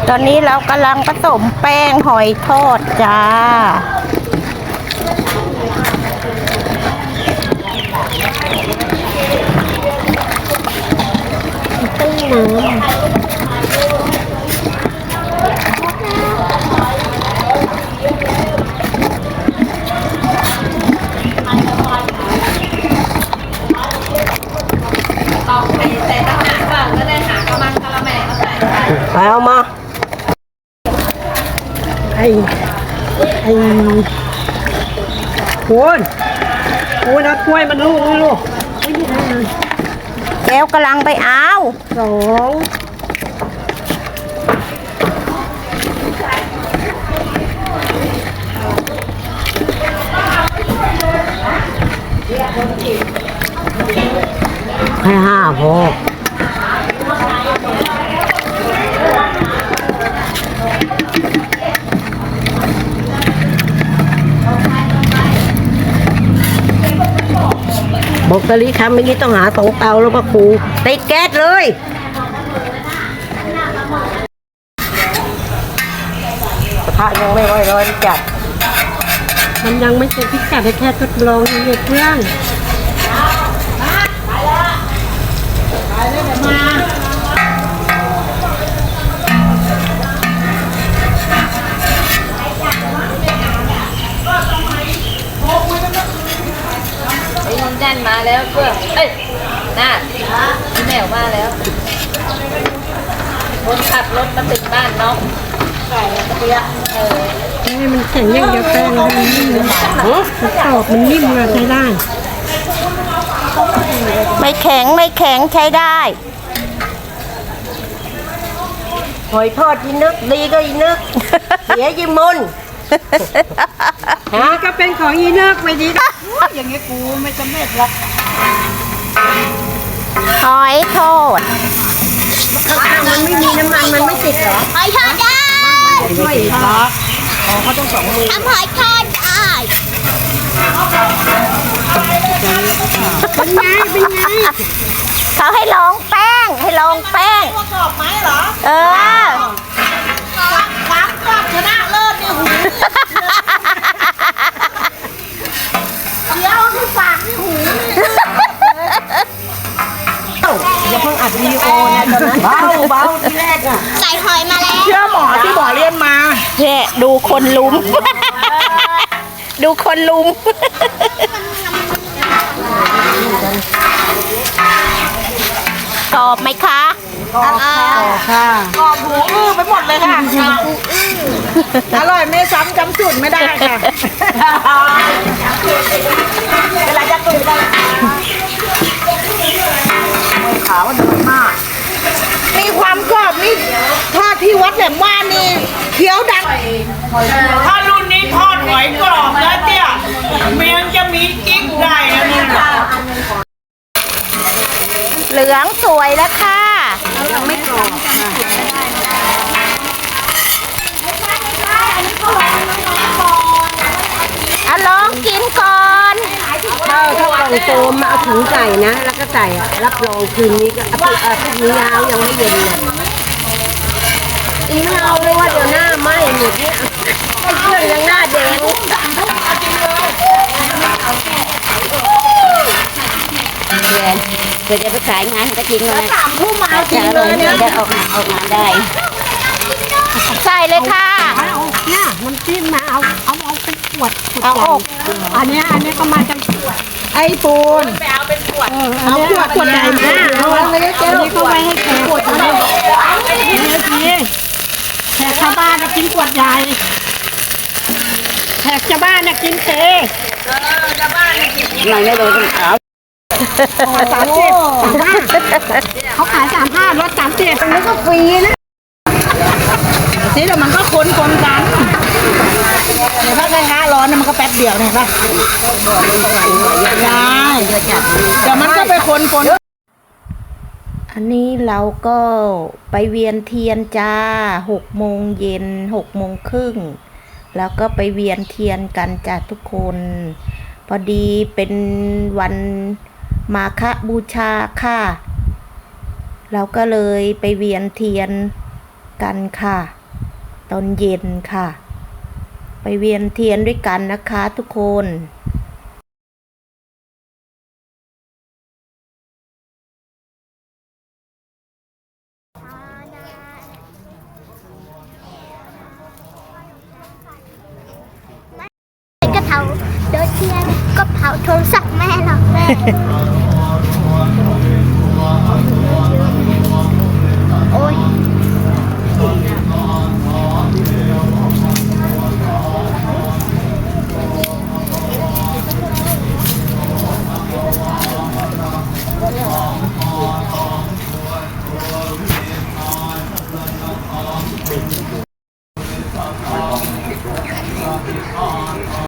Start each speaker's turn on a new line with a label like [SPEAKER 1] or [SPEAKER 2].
[SPEAKER 1] ตอนนี้เรากำลังผสมแป้งหอยทอดจ้า
[SPEAKER 2] ต้มน้ำเอามาไอ้คุณเอาถ้วยมันลูก
[SPEAKER 1] แก้วกำลังไปเอา
[SPEAKER 2] สองให้ห้าพอบอกตะลิครับเมื่อกี้ต้องหา2 เตาแล้วก็ครูติดแก๊สเลยกระทะยังไม่ไหวร้อนจัดมันยังไม่เสร็จพิกัดแค่ทดลองเหยียบเครื่อง
[SPEAKER 3] แน่นมาแล้วเพื่อเอ้ยน่าพี่แมวมาแล้วคนขับรถมาถึงบ้านน้องใส่เปีย
[SPEAKER 2] ให้มันแข็งอย่างเดียวแป้งมันนิ่มเลยมันกรอบมันนิ่มเลยใช้ได้
[SPEAKER 1] ไม่แข็งใช้ได้
[SPEAKER 2] หอยทอดยีนึกดีก็ยีนึกเสียยีมุนฮะก็เป็นของยีนึกไม่ดีอย่างนี้กูไม่สำเร็จหรอก
[SPEAKER 1] หอยทอด
[SPEAKER 2] ถ้ามันไม่มีน้ำมันมันไม่ติดเหรอ
[SPEAKER 1] หอยทอดได้
[SPEAKER 2] ไม่ติดหรอกเขาต้อง2 มือ
[SPEAKER 1] ทำหอยทอดได้
[SPEAKER 2] เป็นไง
[SPEAKER 1] เขาให้ลองแป้ง
[SPEAKER 3] ตัวกรอบไหมเหรอฟักชนะเลิศนี่หูเดี๋ยวที่ฝากที่หู
[SPEAKER 2] อย่าเพิ่งอัดวิดีโอนะตอนนั้นเบาที่แรกอ่ะ
[SPEAKER 1] ใส่หอยมาแล้ว
[SPEAKER 3] เชื่อหมอที่หมอเรียนมา
[SPEAKER 1] เนี่ยดูคนลุมกรอบไหมคะ
[SPEAKER 2] กรอบค่ะ
[SPEAKER 3] กรอบหูอื้อไปหมดเลยค่ะอร่อยไม่ซ้ำจำสูตรไม่ได้ค่ะเวลาจะตุ๋นกันขาวเดินมากมีความกรอบนี่ทอดที่วัดแหลมว่านี่เคี้ยวดังถ้ารุ่นนี้ทอดหอยกรอบแล้วเตี้ยเมียงจะมีกิ๊กได้แล้วนี่
[SPEAKER 1] เหลืองสวยแล้วค่ะ
[SPEAKER 2] ยังไม่กรอบ
[SPEAKER 1] เอาลองกินก่อน
[SPEAKER 2] ถ้ากล่องโฟมมาเอาถุงใส่นะแล้วก็ใส่รับรองคืนนี้ก็พรุ่งนี้ยาวยังไม่เย็นเลยอีไม่เอาเลยว่าเดี๋ยวหน้าไหม้หมดเนี่ยไอ้เครื่องยังหน้าแดง
[SPEAKER 1] เดี๋ยวจะไปขายงานก็จริงเลย
[SPEAKER 3] 3 ทุ่มมาเอาจริงเลยเนี่ย
[SPEAKER 1] ออกงานได้ใส่เลยค่ะ
[SPEAKER 2] เนี่ยน้ำจิ้มมาเอาเป็นขวด
[SPEAKER 1] เอาออก
[SPEAKER 2] อันนี้ก็มาจาก
[SPEAKER 3] ไอ้ปูน
[SPEAKER 2] ไปเอาเป็นขวดเอาขวดใหญ่มาเอาอันนี้ก็ไว้ให้แขกขวดใหญ่แขกชาวบ้านจะกินขวดใหญ่แขกชาวบ้านจะกินเท
[SPEAKER 3] ชาวบ้านกิน
[SPEAKER 1] หน่อยไม่โดนขาว
[SPEAKER 2] 30 35เขาขาย35ลด30ตรงนี้ก็ฟรีนะ
[SPEAKER 3] ทีเดี๋ยวมันก็คนกันเดี๋ยวถ้ากระทะร้อนมันก็แป๊บเดียวเนี่ยป่ะได้แต่มันก็ไปคน
[SPEAKER 1] อันนี้เราก็ไปเวียนเทียนจ้า6 โมงเย็น6 โมงครึ่งแล้วก็ไปเวียนเทียนกันจ้าทุกคนพอดีเป็นวันมาฆบูชาค่ะเราก็เลยไปเวียนเทียนกันค่ะ ตอนเย็นค่ะ ไปเวียนเทียนด้วยกันนะคะทุกคน
[SPEAKER 4] ก็เผาโดยเทียนก็เผาโทรศัพท์แม่หรอก